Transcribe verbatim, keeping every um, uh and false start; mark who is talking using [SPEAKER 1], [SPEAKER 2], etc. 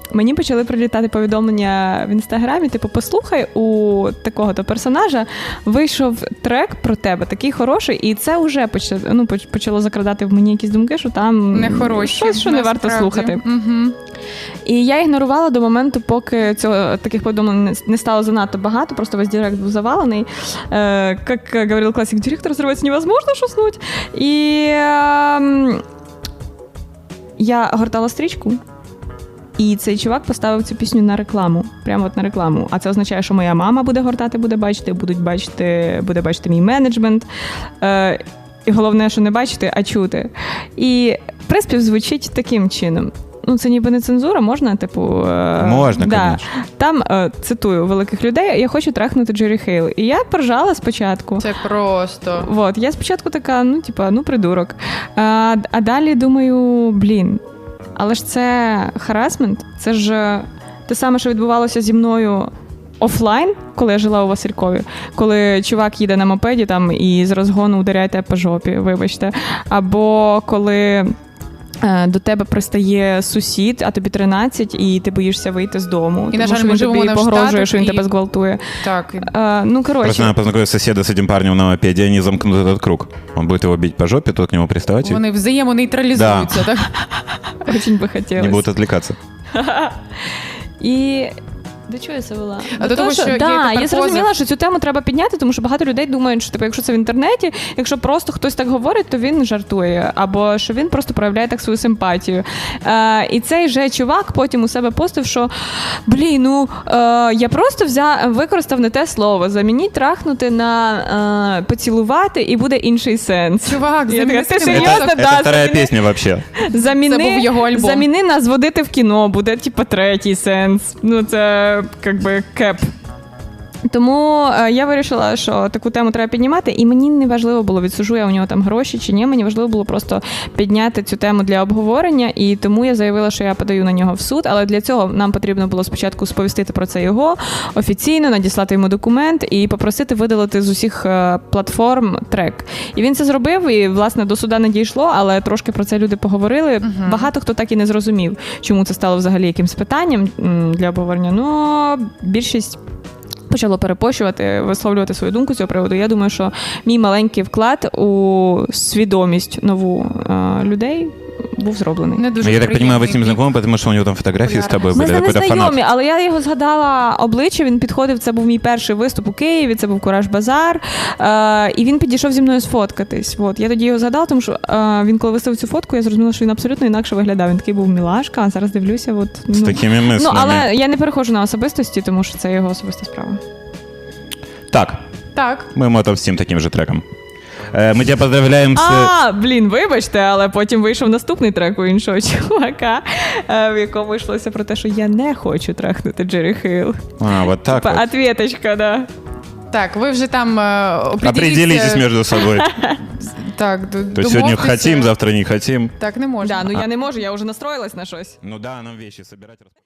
[SPEAKER 1] мені почали прилітати повідомлення в Інстаграмі, типу, послухай, у такого-то персонажа вийшов трек про тебе, такий хороший, і це вже почало, ну, почало закрадати в мені якісь думки, що там
[SPEAKER 2] нехороші,
[SPEAKER 1] щось, що не варто слухати.
[SPEAKER 2] Угу.
[SPEAKER 1] І я ігнорувала до моменту, поки цього, таких повідомлень не стало занадто багато, просто весь директ був завалений. Е, як говорив класик, директор зривається, невозможно шуснуть. І е, я гортала стрічку, і цей чувак поставив цю пісню на рекламу. Прямо от на рекламу. А це означає, що моя мама буде гортати, буде бачити, будуть бачити, буде бачити мій менеджмент. Е, і головне, що не бачити, а чути. І приспів звучить таким чином. Ну, це ніби не цензура, можна, типу...
[SPEAKER 3] Можна,
[SPEAKER 1] да.
[SPEAKER 3] конечно.
[SPEAKER 1] Там, е, цитую великих людей, я хочу трахнути Джері Хейл. І я поржала спочатку.
[SPEAKER 2] Це просто...
[SPEAKER 1] Вот. Я спочатку така, ну, типа, ну, придурок. А, а далі думаю, блін, але ж це харасмент, це ж те саме, що відбувалося зі мною офлайн, коли я жила у Василькові, коли чувак їде на мопеді там і з розгону ударяє тебе по жопі, вибачте. Або коли до тебе пристає сусід, а тобі тринадцять, і ти боїшся вийти з дому.
[SPEAKER 2] І,
[SPEAKER 1] тому
[SPEAKER 2] на жаль,
[SPEAKER 1] що
[SPEAKER 2] ми
[SPEAKER 1] він
[SPEAKER 2] живемо
[SPEAKER 1] тобі
[SPEAKER 2] не в
[SPEAKER 1] погрожує,
[SPEAKER 2] Штатах,
[SPEAKER 1] що він
[SPEAKER 2] і...
[SPEAKER 1] тебе зґвалтує.
[SPEAKER 2] Так.
[SPEAKER 1] А, ну, коротше.
[SPEAKER 3] Просто надо познакомить соседа с этим парнем на мопеде, они замкнут этот круг. Он будет его бить по жопе, тот к нему приставать.
[SPEAKER 2] Вони взаємонейтралізуються,
[SPEAKER 3] да.
[SPEAKER 1] Так? Очень би хотілося.
[SPEAKER 3] Не будут отвлекаться.
[SPEAKER 1] І... До чого я це вела?
[SPEAKER 2] А до того, що, що
[SPEAKER 1] да,
[SPEAKER 2] є
[SPEAKER 1] я зрозуміла,
[SPEAKER 2] позив.
[SPEAKER 1] що цю тему треба підняти, тому що багато людей думають, що типу, якщо це в інтернеті, якщо просто хтось так говорить, то він жартує, або що він просто проявляє так свою симпатію. Е, і цей же чувак потім у себе постив, що блін, ну е, я просто взяв, використав не те слово, замініть трахнути на е, поцілувати, і буде інший сенс.
[SPEAKER 2] Чувак,
[SPEAKER 1] я
[SPEAKER 2] заміни.
[SPEAKER 1] така, ти серйозно?
[SPEAKER 3] Это,
[SPEAKER 1] да,
[SPEAKER 3] это вторая
[SPEAKER 1] заміни,
[SPEAKER 3] песня вообще.
[SPEAKER 1] Заміни,
[SPEAKER 2] це був його альбом.
[SPEAKER 1] Заміни нас водити в кіно, буде типу третій сенс. Ну це як би кеп. Тому е, я вирішила, що таку тему треба піднімати, і мені не важливо було, відсуджу я у нього там гроші чи ні, мені важливо було просто підняти цю тему для обговорення, і тому я заявила, що я подаю на нього в суд, але для цього нам потрібно було спочатку сповістити про це його офіційно, надіслати йому документ і попросити видалити з усіх е, платформ трек. І він це зробив, і, власне, до суда не дійшло, але трошки про це люди поговорили. Uh-huh. Багато хто так і не зрозумів, чому це стало взагалі якимсь питанням м, для обговорення, ну, більшість почало перепощувати, висловлювати свою думку з цього приводу. Я думаю, що мій маленький вклад у свідомість нову е, людей був зроблений.
[SPEAKER 2] Не дуже
[SPEAKER 3] я так понимаю, вы с ним
[SPEAKER 2] знайомі,
[SPEAKER 3] знакомы, потому что у него там фотографии с тобой
[SPEAKER 1] Ми
[SPEAKER 3] были.
[SPEAKER 1] з ним не
[SPEAKER 3] Какой-то
[SPEAKER 1] знайомі,
[SPEAKER 3] фанат.
[SPEAKER 1] але я його згадала обличчя, він підходив, це був мій перший виступ у Києві, це був Кураж Базар, е, і він підійшов зі мною сфоткатись. От. Я тоді його згадала, тому що е, він, коли виставив цю фотку, я зрозуміла, що він абсолютно інакше виглядав. Він такий був мілашка, а зараз дивлюся. От, ну,
[SPEAKER 3] З такими мислями.
[SPEAKER 1] Ну, але я не переходжу на особистості, тому що це його особиста справа.
[SPEAKER 3] Так,
[SPEAKER 2] Так.
[SPEAKER 3] мы ему отомстим таким же треком. Э, Мы тебя поздравляем с...
[SPEAKER 1] А, блін, вибачте, але потім вийшов наступний трек у іншого чувака, е, в якому йшлося про те, що я не хочу трахнути Джері Хейл.
[SPEAKER 3] А, вот так
[SPEAKER 1] Типа,
[SPEAKER 3] вот.
[SPEAKER 1] ответочка, да.
[SPEAKER 2] Так, ви вже там е, определіться.
[SPEAKER 3] Определитесь между собой.
[SPEAKER 2] Так,
[SPEAKER 3] То есть сегодня хотим, завтра не хотим.
[SPEAKER 2] Так не можна.
[SPEAKER 1] Да, ну я не можу, я вже настроїлась на щось.
[SPEAKER 3] Ну да, нам вещи собирать.